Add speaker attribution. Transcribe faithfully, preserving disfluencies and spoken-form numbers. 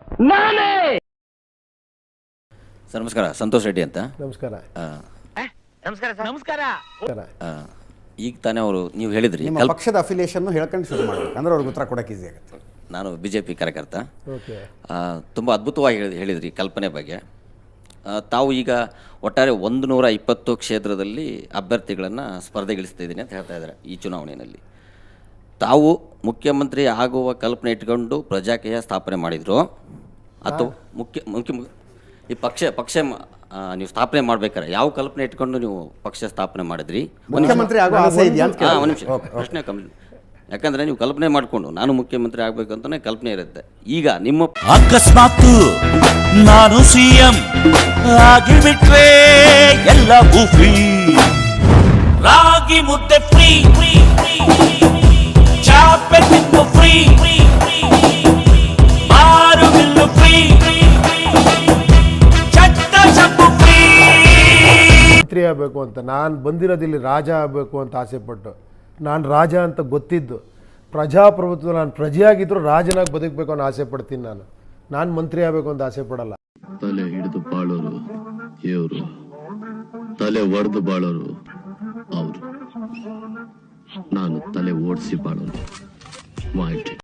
Speaker 1: ನಾನೇ.
Speaker 2: ಸರ್ ನಮಸ್ಕಾರ, ಸಂತೋಷ್ ರೆಡ್ಡಿ ಅಂತ.
Speaker 3: ನಮಸ್ಕಾರ.
Speaker 1: ನಮಸ್ಕಾರ ಸರ್. ನಮಸ್ಕಾರ.
Speaker 2: ಈಗ ತಾನೇ ಅವರು ನೀವು ಹೇಳಿದ್ರಿ
Speaker 4: ನಿಮ್ಮ ಪಕ್ಷದ ಅಫಿಲಿಯೇಷನ್ ಹೇಳ್ಕೊಂಡು ಶುರು ಮಾಡಬೇಕು, ಅಂದ್ರೆ ಅವ್ರಿಗೆ ಉತ್ತರ ಕೊಡೋಕೆ ಈಸಿ ಆಗುತ್ತೆ.
Speaker 2: ನಾನು ಬಿ ಜೆ ಪಿ ಕಾರ್ಯಕರ್ತ.
Speaker 3: ಓಕೆ.
Speaker 2: ತುಂಬ ಅದ್ಭುತವಾಗಿ ಹೇಳಿ ಹೇಳಿದ್ರಿ ಕಲ್ಪನೆ ಬಗ್ಗೆ. ತಾವು ಈಗ ಒಟ್ಟಾರೆ ಒಂದು ನೂರ ಇಪ್ಪತ್ತು ಕ್ಷೇತ್ರದಲ್ಲಿ ಅಭ್ಯರ್ಥಿಗಳನ್ನು ಸ್ಪರ್ಧೆಗಿಳಿಸ್ತಿದ್ದೀನಿ ಅಂತ ಹೇಳ್ತಾ ಇದ್ದಾರೆ ಈ ಚುನಾವಣೆಯಲ್ಲಿ. ತಾವು ಮುಖ್ಯಮಂತ್ರಿ ಆಗುವ ಕಲ್ಪನೆ ಇಟ್ಕೊಂಡು ಪ್ರಜಾಕೀಯ ಸ್ಥಾಪನೆ ಮಾಡಿದ್ರು ಅಥವಾ ಮುಖ್ಯ ಮುಖ್ಯ ಈ ಪಕ್ಷ ಪಕ್ಷ ನೀವು ಸ್ಥಾಪನೆ ಮಾಡ್ಬೇಕಾರೆ ಯಾವ ಕಲ್ಪನೆ ಇಟ್ಕೊಂಡು ನೀವು ಪಕ್ಷ ಸ್ಥಾಪನೆ ಮಾಡಿದ್ರಿ?
Speaker 4: ಮುಖ್ಯಮಂತ್ರಿ ಆಗೋ ಆಸೆ ಇದೆಯಾ ಅಂತ
Speaker 2: ಹಾಂ, ಒಂದು ನಿಮಿಷ ಪ್ರಶ್ನೆ ಕಮ್ಮಿ. ಯಾಕಂದ್ರೆ ನೀವು ಕಲ್ಪನೆ ಮಾಡಿಕೊಂಡು ನಾನು ಮುಖ್ಯಮಂತ್ರಿ ಆಗ್ಬೇಕಂತಾನೆ ಕಲ್ಪನೆ ಇರುತ್ತೆ. ಈಗ ನಿಮ್ಮ
Speaker 5: ಅಕಸ್ಮಾತ್ ನಾನು ಸಿಎಂ ಆಗಿಬಿಟ್ರೆ ಎಲ್ಲ ಬೂಫಿ, ರಾಗಿ ಮುದ್ದೆ ಫ್ರೀ, ಚಾಪೆ ತಿನ್ನು ಫ್ರೀ, ಆರು ಬಿಲ್ಲು ಫ್ರೀ, ಚಟ್ಟ ಚಪ್ಪು ಫ್ರೀ.
Speaker 3: ಮಂತ್ರಿ ಆಗಬೇಕು ಅಂತ ನಾನು ಬಂದಿರೋದಿಲ್ಲಿ ರಾಜ ಆಗಬೇಕು ಅಂತ ಆಸೆ ಪಟ್ಟು, ನಾನು ರಾಜ ಅಂತ ಗೊತ್ತಿದ್ದು, ಪ್ರಜಾಪ್ರಭುತ್ವ ನಾನು ಪ್ರಜೆಯಾಗಿದ್ದರೂ ರಾಜನಾಗಿ ಬದುಕಬೇಕು ಅನ್ನೋ ಆಸೆ ಪಡ್ತೀನಿ. ನಾನು ನಾನು ಮಂತ್ರಿ ಆಗಬೇಕು ಅಂತ ಆಸೆ ಪಡಲ್ಲ.
Speaker 6: ತಲೆ ಹಿಡಿದು ಬಾಳೋರು ಇವರು, ತಲೆ ಒಡೆದು ಬಾಳೋರು ಅವರು. ನಾನು ತಲೆ ಓಡಿಸಿ ಬಾಳೋರು.